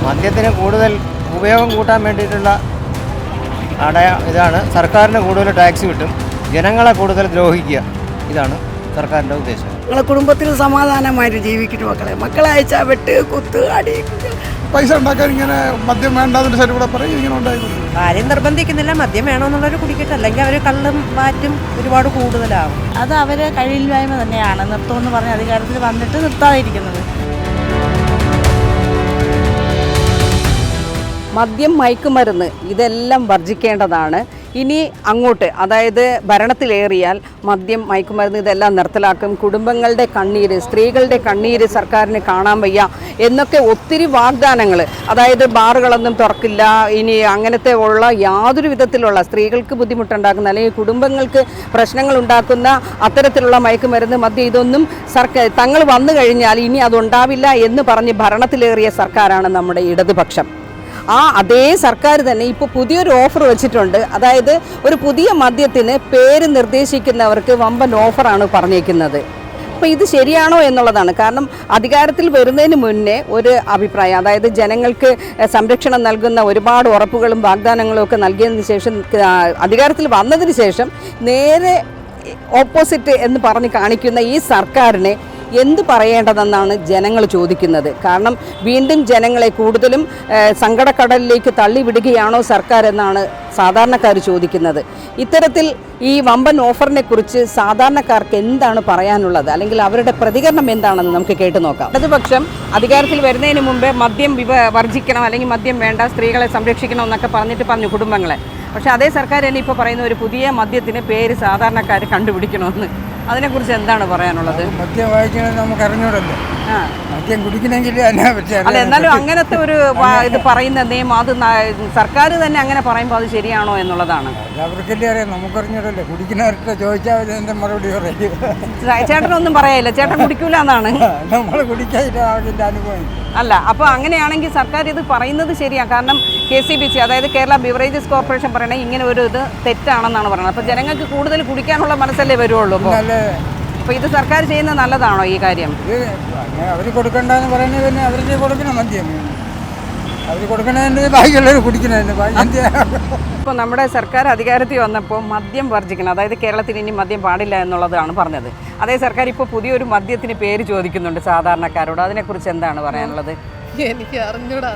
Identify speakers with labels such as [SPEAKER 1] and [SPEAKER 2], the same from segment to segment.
[SPEAKER 1] മദ്യത്തിന് കൂടുതൽ ഉപയോഗം കൂട്ടാൻ വേണ്ടിയിട്ടുള്ള ഇതാണ്. സർക്കാരിന് കൂടുതൽ ടാക്സ് കിട്ടും, ജനങ്ങളെ കൂടുതൽ ദ്രോഹിക്കുക. ഇതാണ് സർക്കാരിൻ്റെ ഉദ്ദേശം.
[SPEAKER 2] ഞങ്ങളെ കുടുംബത്തിൽ സമാധാനമായിട്ട് ജീവിക്കുന്നു. മക്കളെ അയച്ചാൽ വെട്ട് കുത്ത് അടി
[SPEAKER 3] പൈസ ഉണ്ടാക്കാൻ ഇങ്ങനെ മദ്യം വേണ്ടാതിൻ്റെ സൈഡ് കൂടെ പറയും ഇങ്ങനെ ഉണ്ടായിരുന്നു.
[SPEAKER 4] ആരെയും നിർബന്ധിക്കുന്നില്ല, മദ്യം വേണമെന്നുള്ളവർ കുടിക്കട്ടെ, അല്ലെങ്കിൽ അവർ കള്ളും മാറ്റും ഒരുപാട് കൂടുതലാവും.
[SPEAKER 5] അത് അവരെ കഴിയില്ലായ്മ തന്നെയാണ് നിർത്തുമെന്ന് പറഞ്ഞ് അധികാരത്തിൽ വന്നിട്ട് നിർത്താതിരിക്കുന്നത്.
[SPEAKER 6] മദ്യം, മയക്കുമരുന്ന് ഇതെല്ലാം വർജിക്കേണ്ടതാണ്. ഇനി അങ്ങോട്ട്, അതായത് ഭരണത്തിലേറിയാൽ മദ്യം, മയക്കുമരുന്ന് ഇതെല്ലാം നിർത്തലാക്കും. കുടുംബങ്ങളുടെ കണ്ണീര്, സ്ത്രീകളുടെ കണ്ണീര് സർക്കാരിന് കാണാൻ വയ്യ എന്നൊക്കെ ഒത്തിരി വാഗ്ദാനങ്ങൾ. അതായത് ബാറുകളൊന്നും തുറക്കില്ല, ഇനി അങ്ങനത്തെ ഉള്ള യാതൊരു വിധത്തിലുള്ള സ്ത്രീകൾക്ക് ബുദ്ധിമുട്ടുണ്ടാക്കുന്ന അല്ലെങ്കിൽ കുടുംബങ്ങൾക്ക് പ്രശ്നങ്ങൾ ഉണ്ടാക്കുന്ന അത്തരത്തിലുള്ള മയക്കുമരുന്ന്, മദ്യം ഇതൊന്നും തങ്ങൾ വന്നു കഴിഞ്ഞാൽ ഇനി അതുണ്ടാവില്ല എന്ന് പറഞ്ഞ് ഭരണത്തിലേറിയ സർക്കാരാണ് നമ്മുടെ ഇടതുപക്ഷം. അതേ സർക്കാർ തന്നെ ഇപ്പോൾ പുതിയൊരു ഓഫർ വെച്ചിട്ടുണ്ട്. അതായത് ഒരു പുതിയ മദ്യത്തിന് പേര് നിർദ്ദേശിക്കുന്നവർക്ക് വമ്പൻ ഓഫറാണ് പറഞ്ഞേക്കുന്നത്. അപ്പോൾ ഇത് ശരിയാണോ എന്നുള്ളതാണ്. കാരണം അധികാരത്തിൽ വരുന്നതിന് മുന്നേ ഒരു അഭിപ്രായം, അതായത് ജനങ്ങൾക്ക് സംരക്ഷണം നൽകുന്ന ഒരുപാട് ഉറപ്പുകളും വാഗ്ദാനങ്ങളും ഒക്കെ നൽകിയതിന് ശേഷം അധികാരത്തിൽ വന്നതിന് ശേഷം നേരെ ഓപ്പോസിറ്റ് എന്ന് പറഞ്ഞ് കാണിക്കുന്ന ഈ സർക്കാരിനെ എന്ത് പറയേണ്ടതെന്നാണ് ജനങ്ങൾ ചോദിക്കുന്നത്. കാരണം വീണ്ടും ജനങ്ങളെ കൂടുതലും സങ്കടക്കടലിലേക്ക് തള്ളിവിടുകയാണോ സർക്കാർ എന്നാണ് സാധാരണക്കാർ ചോദിക്കുന്നത്. ഇത്തരത്തിൽ ഈ വമ്പൻ ഓഫറിനെ കുറിച്ച് സാധാരണക്കാർക്ക് എന്താണ് പറയാനുള്ളത്, അല്ലെങ്കിൽ അവരുടെ പ്രതികരണം എന്താണെന്ന് നമുക്ക് കേട്ടു നോക്കാം. ഇടതുപക്ഷം അധികാരത്തിൽ വരുന്നതിന് മുമ്പേ മദ്യം വർജിക്കണം, അല്ലെങ്കിൽ മദ്യം വേണ്ട, സ്ത്രീകളെ സംരക്ഷിക്കണം എന്നൊക്കെ പറഞ്ഞു കുടുംബങ്ങളെ. പക്ഷേ അതേ സർക്കാർ തന്നെ ഇപ്പോൾ പറയുന്ന ഒരു പുതിയ മദ്യത്തിന് പേര് സാധാരണക്കാർ കണ്ടുപിടിക്കണമെന്ന്. അതിനെക്കുറിച്ച് എന്താണ് പറയാനുള്ളത്?
[SPEAKER 2] മദ്യം വായിക്കണമെന്ന് നമുക്ക് അറിഞ്ഞൂടല്ലോ. മദ്യം കുടിക്കണമെങ്കിൽ
[SPEAKER 6] അല്ല, എന്നാലും അങ്ങനത്തെ ഒരു ഇത് പറയുന്ന നിയമം അത് സർക്കാർ തന്നെ അങ്ങനെ പറയുമ്പോൾ അത് ശരിയാണോ എന്നുള്ളതാണ്.
[SPEAKER 2] അവർക്കല്ലേ അറിയാം, നമുക്കറിഞ്ഞൂടല്ലോ. കുടിക്കുന്നവർക്ക് ചോദിച്ചാൽ എൻ്റെ മറുപടി പറയും.
[SPEAKER 6] ചേട്ടനൊന്നും പറയാനില്ല, ചേട്ടൻ കുടിക്കൂല എന്നാണ്.
[SPEAKER 2] നമ്മൾ കുടിക്കാതിന്റെ അനുഭവം
[SPEAKER 6] അല്ല. അപ്പോൾ അങ്ങനെയാണെങ്കിൽ സർക്കാർ ഇത് പറയുന്നത് ശരിയാണ്. കാരണം KCBC, അതായത് കേരള ബിവറേജസ് കോർപ്പറേഷൻ പറയണേ ഇങ്ങനെ ഒരു ഇത് തെറ്റാണെന്നാണ് പറയുന്നത്. അപ്പോൾ ജനങ്ങൾക്ക് കൂടുതൽ കുടിക്കാനുള്ള മനസ്സല്ലേ വരുള്ളൂ. അപ്പോൾ ഇത് സർക്കാർ ചെയ്യുന്നത് നല്ലതാണോ ഈ കാര്യം?
[SPEAKER 2] അവർ കൊടുക്കണ്ടെന്ന് പറയുന്നത് പിന്നെ അവർക്ക് കൊടുക്കണം മദ്യം. അവർ കൊടുക്കണതിൻ്റെ ബാക്കിയുള്ളവർ കുടിക്കണതിൻ്റെ ബാക്കി.
[SPEAKER 6] ഇപ്പോൾ നമ്മുടെ സർക്കാർ അധികാരത്തിൽ വന്നപ്പോൾ മദ്യം വർജിക്കണം, അതായത് കേരളത്തിൽ ഇനി മദ്യം പാടില്ല എന്നുള്ളതാണ് പറഞ്ഞത്. അതേ സർക്കാർ ഇപ്പോൾ പുതിയൊരു മദ്യത്തിന് പേര് ചോദിക്കുന്നുണ്ട് സാധാരണക്കാരോട്. അതിനെക്കുറിച്ച് എന്താണ് പറയാനുള്ളത്?
[SPEAKER 7] എനിക്ക് അറിഞ്ഞൂടാ,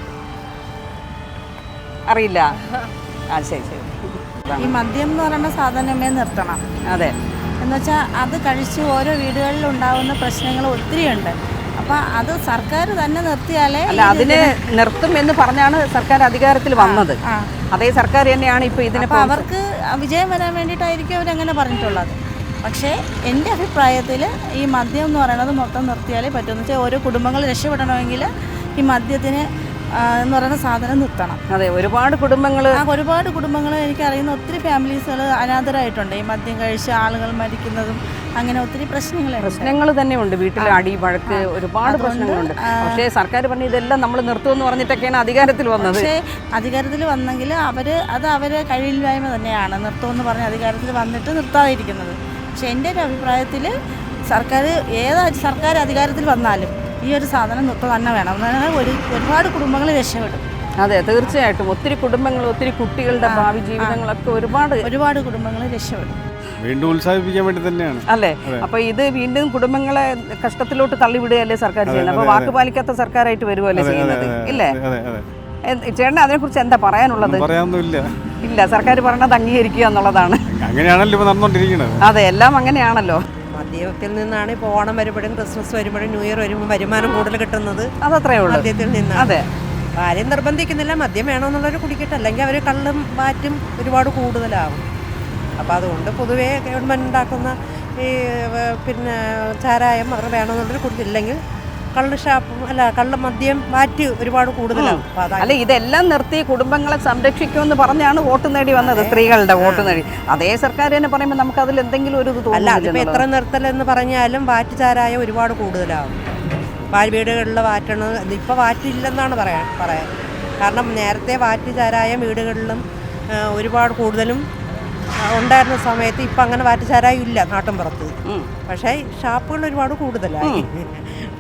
[SPEAKER 6] അറിയില്ല. ശരി.
[SPEAKER 5] ഈ മദ്യം എന്ന് പറയുന്ന സാധനമേ നിർത്തണം.
[SPEAKER 6] അതെ,
[SPEAKER 5] എന്നുവെച്ചാൽ അത് കഴിച്ച് ഓരോ വീടുകളിൽ ഉണ്ടാകുന്ന പ്രശ്നങ്ങൾ ഒത്തിരിയുണ്ട്. അപ്പം അത് സർക്കാർ തന്നെ നിർത്തിയാലേ.
[SPEAKER 6] അല്ല, അതിനെ നിർത്തും എന്ന് പറഞ്ഞാണ് സർക്കാർ അധികാരത്തിൽ വന്നത്. അതേ സർക്കാർ തന്നെയാണ് ഇപ്പോൾ ഇതിനെ.
[SPEAKER 5] അവർക്ക് വിജയം വരാൻ വേണ്ടിയിട്ടായിരിക്കും അവരങ്ങനെ പറഞ്ഞിട്ടുള്ളത്. പക്ഷേ എൻ്റെ അഭിപ്രായത്തിൽ ഈ മദ്യം എന്ന് പറയുന്നത് മൊത്തം നിർത്തിയാലേ പറ്റുമെന്ന് വെച്ചാൽ ഓരോ കുടുംബങ്ങൾ രക്ഷപ്പെടണമെങ്കിൽ ഈ മദ്യത്തിന് എന്ന് പറയുന്ന സാധനം നിർത്തണം.
[SPEAKER 6] അതെ, ഒരുപാട് കുടുംബങ്ങൾ
[SPEAKER 5] എനിക്കറിയുന്ന ഒത്തിരി ഫാമിലീസുകൾ അനാഥരായിട്ടുണ്ട്. ഈ മദ്യം കഴിച്ച് ആളുകൾ മരിക്കുന്നതും അങ്ങനെ ഒത്തിരി പ്രശ്നങ്ങൾ
[SPEAKER 6] തന്നെയുണ്ട്. വീട്ടിൽ അടി, വഴക്ക്, ഒരുപാട് പ്രശ്നങ്ങളുണ്ട്. പക്ഷേ സർക്കാർ പറഞ്ഞു ഇതെല്ലാം നമ്മൾ നിർത്തുമെന്ന് പറഞ്ഞിട്ടൊക്കെയാണ് അധികാരത്തിൽ വന്നത്.
[SPEAKER 5] പക്ഷേ അധികാരത്തിൽ വന്നെങ്കിൽ അവരെ കഴിയില്ലായ്മ തന്നെയാണ് നിർത്തുമെന്ന് പറഞ്ഞ് അധികാരത്തിൽ വന്നിട്ട് നിർത്താതിരിക്കുന്നത്. പക്ഷേ എൻ്റെ ഒരു അഭിപ്രായത്തിൽ സർക്കാർ അധികാരത്തിൽ വന്നാലും ഈ ഒരു സാധനം നിർത്തുക തന്നെ വേണം. ഒരുപാട് കുടുംബങ്ങൾ രക്ഷപ്പെടും.
[SPEAKER 6] അതെ, തീർച്ചയായിട്ടും. ഒത്തിരി കുടുംബങ്ങൾ, ഒത്തിരി കുട്ടികളുടെ ഭാവി ജീവിതങ്ങളൊക്കെ ഒരുപാട്
[SPEAKER 5] കുടുംബങ്ങൾ രക്ഷപ്പെടും.
[SPEAKER 3] വീണ്ടും ഉത്സാഹിപ്പിക്കാൻ വേണ്ടി തന്നെയാണ്
[SPEAKER 6] അല്ലേ? അപ്പൊ ഇത് വീണ്ടും കുടുംബങ്ങളെ കഷ്ടത്തിലോട്ട് തള്ളിവിടുകയല്ലേ സർക്കാർ ചെയ്യുന്നത്. അപ്പൊ വാക്ക് പാലിക്കാത്ത സർക്കാരായിട്ട് വരുമല്ലേ ചെയ്യുന്നത്, ഇല്ലേ? ചേട്ടൻ അതിനെക്കുറിച്ച് എന്താ പറയാനുള്ളത്? ഇല്ല, സർക്കാർ പറഞ്ഞത് അംഗീകരിക്കുക എന്നുള്ളതാണ്.
[SPEAKER 3] അങ്ങനെയാണല്ലോ നടന്നുകൊണ്ടിരിക്കുന്നത്.
[SPEAKER 6] അതെ, എല്ലാം അങ്ങനെയാണല്ലോ.
[SPEAKER 4] മദ്യത്തിൽ നിന്നാണ് ഇപ്പോൾ ഓണം വരുമ്പോഴും ക്രിസ്മസ് വരുമ്പോഴും ന്യൂ ഇയർ വരുമ്പോൾ വരുമാനം കൂടുതൽ കിട്ടുന്നത്.
[SPEAKER 6] അതത്രേ ഉള്ളൂ,
[SPEAKER 4] മദ്യത്തിൽ നിന്നാണ്.
[SPEAKER 6] അതെ,
[SPEAKER 4] ആരെയും നിർബന്ധിക്കുന്നില്ല, മദ്യം വേണമെന്നുള്ളവർ കുടിക്കട്ടെ, അല്ലെങ്കിൽ അവർ കള്ളും മാറ്റും ഒരുപാട് കൂടുതലാകും. അപ്പോൾ അതുകൊണ്ട് പൊതുവേ ഗവൺമെൻറ് ഉണ്ടാക്കുന്ന ഈ ചാരായം അവർ വേണമെന്നുള്ളവർ കുടിച്ചില്ലെങ്കിൽ കള്ള് മദ്യം മാറ്റി ഒരുപാട് കൂടുതലാകും.
[SPEAKER 6] അല്ല, ഇതെല്ലാം നിർത്തി കുടുംബങ്ങളെ സംരക്ഷിക്കുമെന്ന് പറഞ്ഞാണ് വോട്ട് നേടി വന്നത്, സ്ത്രീകളുടെ വോട്ട് നേടി. അതേ സർക്കാർ തന്നെ പറയുമ്പോൾ നമുക്ക് അതിൽ എന്തെങ്കിലും ഒരു
[SPEAKER 4] അല്ല, അതിപ്പോൾ എത്ര നിർത്തലെന്ന് പറഞ്ഞാലും വാറ്റ് ചാരായം ഒരുപാട് കൂടുതലാകും. വീടുകളിൽ വാറ്റണം, ഇപ്പോൾ വാറ്റില്ലെന്നാണ് പറയാൻ. കാരണം നേരത്തെ വാറ്റ് ചാരായം വീടുകളിലും ഒരുപാട് കൂടുതലും ഉണ്ടായിരുന്ന സമയത്ത് ഇപ്പം അങ്ങനെ വാറ്റ് ചാരായം ഇല്ല നാട്ടിൻ പുറത്ത്. പക്ഷേ ഷാപ്പുകൾ ഒരുപാട് കൂടുതലായി.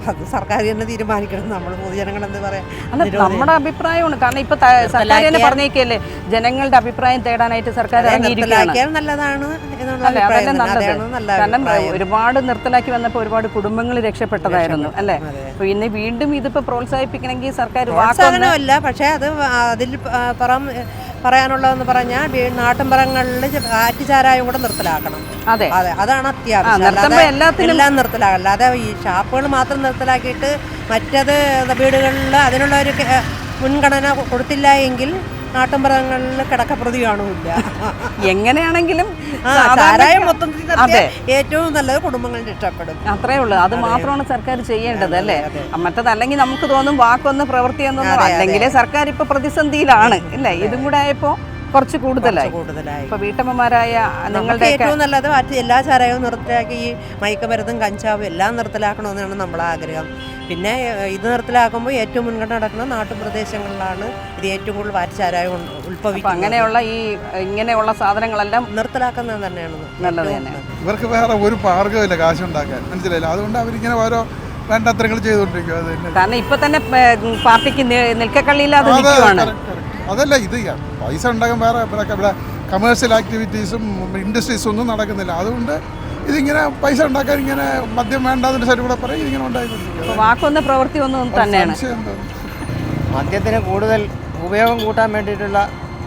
[SPEAKER 4] അത് സർക്കാർ തന്നെ തീരുമാനിക്കണം. നമ്മൾ പൊതുജനങ്ങൾ എന്ത് പറയാം.
[SPEAKER 6] അല്ല, നമ്മുടെ അഭിപ്രായമാണ്. കാരണം ഇപ്പൊ സർക്കാർ തന്നെ പറഞ്ഞേക്കല്ലേ ജനങ്ങളുടെ അഭിപ്രായം തേടാനായിട്ട് സർക്കാർ ഇറങ്ങിയിരിക്കുകയാണ്.
[SPEAKER 4] നല്ലതാണ്
[SPEAKER 6] അല്ലെ, അതല്ലേ നല്ലത്. കാരണം ഒരുപാട് നിർത്തലാക്കി വന്നപ്പോൾ ഒരുപാട് കുടുംബങ്ങൾ രക്ഷപ്പെട്ടതായിരുന്നു അല്ലെ. അപ്പൊ ഇനി വീണ്ടും ഇതിപ്പോ പ്രോത്സാഹിപ്പിക്കണമെങ്കിൽ സർക്കാർ
[SPEAKER 4] പ്രോത്സാഹനമല്ല, പക്ഷേ അത് അതിൽ പറയാനുള്ളതെന്ന് പറഞ്ഞാൽ നാട്ടിൻപുറങ്ങളിൽ ആറ്റുചാരായം കൂടെ നിർത്തലാക്കണം.
[SPEAKER 6] അതെ,
[SPEAKER 4] അതാണ് അത്യാവശ്യം. എല്ലാം നിർത്തലാക്കണം. അല്ലാതെ ഈ ഷാപ്പുകൾ മാത്രം നിർത്തലാക്കിയിട്ട് മറ്റത് വീടുകളിൽ അതിനുള്ള ഒരു മുൻഗണന കൊടുത്തില്ല എങ്കിൽ നാട്ടിൻപുറങ്ങളിൽ കിടക്കപ്രതി കാണൂല്ല.
[SPEAKER 6] എങ്ങനെയാണെങ്കിലും
[SPEAKER 4] ചാരായം മൊത്തത്തിൽ ഏറ്റവും നല്ലത് കുടുംബങ്ങൾ രക്ഷപ്പെടും.
[SPEAKER 6] അത്രേ ഉള്ളൂ. അത് മാത്രമാണ് സർക്കാർ ചെയ്യേണ്ടത് അല്ലേ. മറ്റതല്ലെങ്കിൽ നമുക്ക് തോന്നും വാക്കൊന്ന് പ്രവൃത്തിയൊന്നും, അല്ലെങ്കിൽ സർക്കാർ ഇപ്പൊ പ്രതിസന്ധിയിലാണ് അല്ലേ. ഇതും കൂടെ ആയപ്പോ കുറച്ച് കൂടുതലായി. ഇപ്പൊ വീട്ടമ്മമാരായ നിങ്ങളുടെ
[SPEAKER 4] ഏറ്റവും നല്ലത് എല്ലാ ചാരായവും നിർത്തലാക്കി ഈ മയക്കുമരുന്നും കഞ്ചാവും എല്ലാം നിർത്തലാക്കണമെന്നാണ് നമ്മളെ ആഗ്രഹം. പിന്നെ ഇത് നിർത്തലാക്കുമ്പോൾ ഏറ്റവും മുൻഗണന നടക്കുന്ന നാട്ടുപ്രദേശങ്ങളിലാണ് ഇത് ഏറ്റവും കൂടുതൽ വാറ്റുചാരായം ഉത്ഭവിക്കുന്നത്.
[SPEAKER 6] അങ്ങനെയുള്ള ഇങ്ങനെയുള്ള സാധനങ്ങളെല്ലാം
[SPEAKER 4] നിർത്തലാക്കുന്നത് തന്നെയാണ്
[SPEAKER 6] നല്ലത് തന്നെ.
[SPEAKER 3] ഇവർക്ക് വേറെ ഒരു മാർഗ്ഗമില്ല കാശുണ്ടാക്കാൻ, മനസ്സിലായില്ല. അതുകൊണ്ട് അവരിങ്ങനെ ഓരോ വേണ്ടത്രങ്ങൾ ചെയ്തുകൊണ്ടിരിക്കും. അത് തന്നെ.
[SPEAKER 6] കാരണം ഇപ്പൊ തന്നെ പാർട്ടിക്ക് നിൽക്കക്കള്ളിയില്ലാതെ നിൽക്കുവാണ്.
[SPEAKER 3] അതല്ല, ഇത് പൈസ ഉണ്ടാക്കാൻ വേറെ ഇവിടെ കമേഴ്ഷ്യൽ ആക്ടിവിറ്റീസും ഇൻഡസ്ട്രീസും ഒന്നും നടക്കുന്നില്ല. അതുകൊണ്ട് ഇതിങ്ങനെ പൈസ ഉണ്ടാക്കാൻ ഇങ്ങനെ മദ്യം വേണ്ടാതിന്റെ സൈഡിൽ കൂടെ പറയും ഇതിങ്ങനെ ഉണ്ടായിക്കൊണ്ടിരിക്കും.
[SPEAKER 6] വാക്കൊന്ന് പ്രവൃത്തി ഒന്നും തന്നെയാണ്.
[SPEAKER 1] മദ്യത്തിന് കൂടുതൽ ഉപയോഗം കൂട്ടാൻ വേണ്ടിയിട്ടുള്ള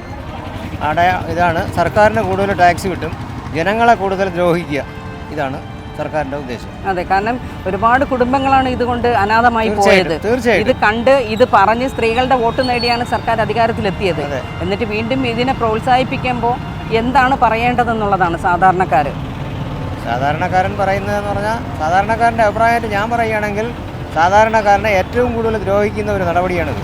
[SPEAKER 1] ഇതാണ്. സർക്കാരിന് കൂടുതൽ ടാക്സ് കിട്ടും, ജനങ്ങളെ കൂടുതൽ ദ്രോഹിക്കുക. ഇതാണ് സർക്കാരിൻ്റെ ഉദ്ദേശം.
[SPEAKER 6] അതെ, കാരണം ഒരുപാട് കുടുംബങ്ങളാണ് ഇതുകൊണ്ട് അനാഥമായി പോയത്.
[SPEAKER 1] തീർച്ചയായിട്ടും
[SPEAKER 6] ഇത് കണ്ട് ഇത് പറഞ്ഞ് സ്ത്രീകളുടെ വോട്ട് നേടിയാണ് സർക്കാർ അധികാരത്തിലെത്തിയത്. എന്നിട്ട് വീണ്ടും ഇതിനെ പ്രോത്സാഹിപ്പിക്കുമ്പോൾ എന്താണ് പറയേണ്ടതെന്നുള്ളതാണ്
[SPEAKER 1] സാധാരണക്കാരൻ പറയുന്നതെന്ന് പറഞ്ഞാൽ, സാധാരണക്കാരൻ്റെ അഭിപ്രായമായിട്ട് ഞാൻ പറയുകയാണെങ്കിൽ സാധാരണക്കാരനെ ഏറ്റവും കൂടുതൽ ദ്രോഹിക്കുന്ന ഒരു നടപടിയാണിത്.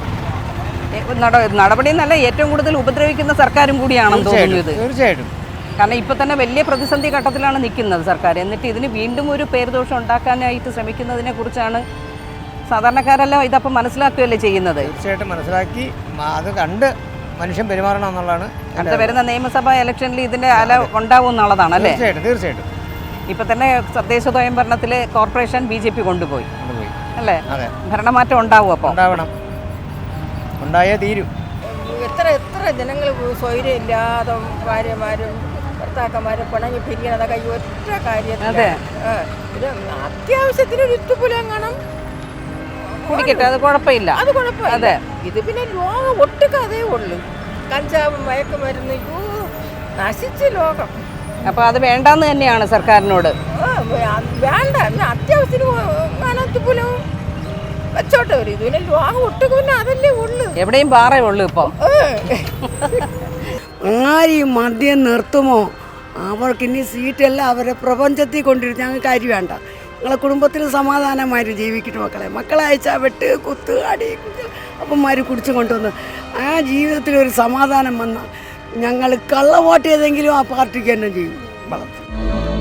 [SPEAKER 6] നടപടി എന്നല്ല, ഏറ്റവും കൂടുതൽ ഉപദ്രവിക്കുന്ന സർക്കാരും കൂടിയാണെന്ന് തോന്നുന്നത്.
[SPEAKER 1] തീർച്ചയായിട്ടും.
[SPEAKER 6] കാരണം ഇപ്പം തന്നെ വലിയ പ്രതിസന്ധി ഘട്ടത്തിലാണ് നിൽക്കുന്നത് സർക്കാർ. എന്നിട്ട് ഇതിന് വീണ്ടും ഒരു പേരുദോഷം ഉണ്ടാക്കാനായിട്ട് ശ്രമിക്കുന്നതിനെ കുറിച്ചാണ് സാധാരണക്കാരെല്ലാം ഇതപ്പം മനസ്സിലാക്കുകയല്ലേ ചെയ്യുന്നത്.
[SPEAKER 1] തീർച്ചയായിട്ടും മനസ്സിലാക്കി അത് കണ്ട് മനുഷ്യൻ പെരുമാറണം എന്നുള്ളതാണ്.
[SPEAKER 6] അടുത്ത വരുന്ന നിയമസഭാ ഇലക്ഷനിൽ ഇതിൻ്റെ അല ഉണ്ടാവും എന്നുള്ളതാണ് അല്ലേ.
[SPEAKER 1] തീർച്ചയായിട്ടും.
[SPEAKER 6] ഇപ്പം തന്നെ തദ്ദേശ സ്വയംഭരണത്തിൽ കോർപ്പറേഷൻ BJP കൊണ്ടുപോയി അല്ലേ. ഭരണമാറ്റം ഉണ്ടാവും. അപ്പോൾ
[SPEAKER 1] ഉണ്ടാവണം, ഉണ്ടായേ തീരും.
[SPEAKER 7] എത്ര ജനങ്ങൾ സ്വൈര്യമില്ലാതെ ഭാര്യമാരും ഭർത്താക്കന്മാരും പിണങ്ങി പിരിയണതൊക്കെ ഈ ഒറ്റ കാര്യത്തിൽ. ഇത് അത്യാവശ്യത്തിന് ഇത്തുപുലം കാണും
[SPEAKER 6] കുടിക്കട്ടെ, അത് കുഴപ്പമില്ല.
[SPEAKER 7] അത് കുഴപ്പമില്ല. ഇത് പിന്നെ ലോകം ഒട്ടുക്കതേ ഉള്ളു. കഞ്ചാവും മയക്കുമരുന്ന് നശിച്ച ലോകം.
[SPEAKER 6] അപ്പൊ അത് വേണ്ടെന്ന് തന്നെയാണ് സർക്കാരിനോട്.
[SPEAKER 7] വേണ്ട, അത്യാവശ്യത്തിന് ഇത്തുപുലവും വെച്ചോട്ടെ. ഒരു ഇതിനെ ലോകം ഒട്ടുക്കുന്ന അതല്ലേ ഉള്ളു.
[SPEAKER 6] എവിടെയും പാറേ ഉള്ളു ഇപ്പം.
[SPEAKER 8] ആര് ഈ മദ്യം നിർത്തുമോ അവർക്കിനി സീറ്റെല്ലാം അവരെ പ്രപഞ്ചത്തിൽ കൊണ്ടിരുന്ന് ഞങ്ങൾക്ക് അരി വേണ്ട. ഞങ്ങളെ കുടുംബത്തിൽ സമാധാനമായിട്ട് ജീവിക്കട്ടെ. മക്കളെ അയച്ചാൽ വെട്ട് കുത്ത് അടി അപ്പന്മാർ കുടിച്ചു കൊണ്ടുവന്ന് ആ ജീവിതത്തിലൊരു സമാധാനം വന്നാൽ ഞങ്ങൾ കള്ള വോട്ട് ചെയ്തെങ്കിലും ആ പാർട്ടിക്ക് തന്നെ ചെയ്യും വളർത്തും.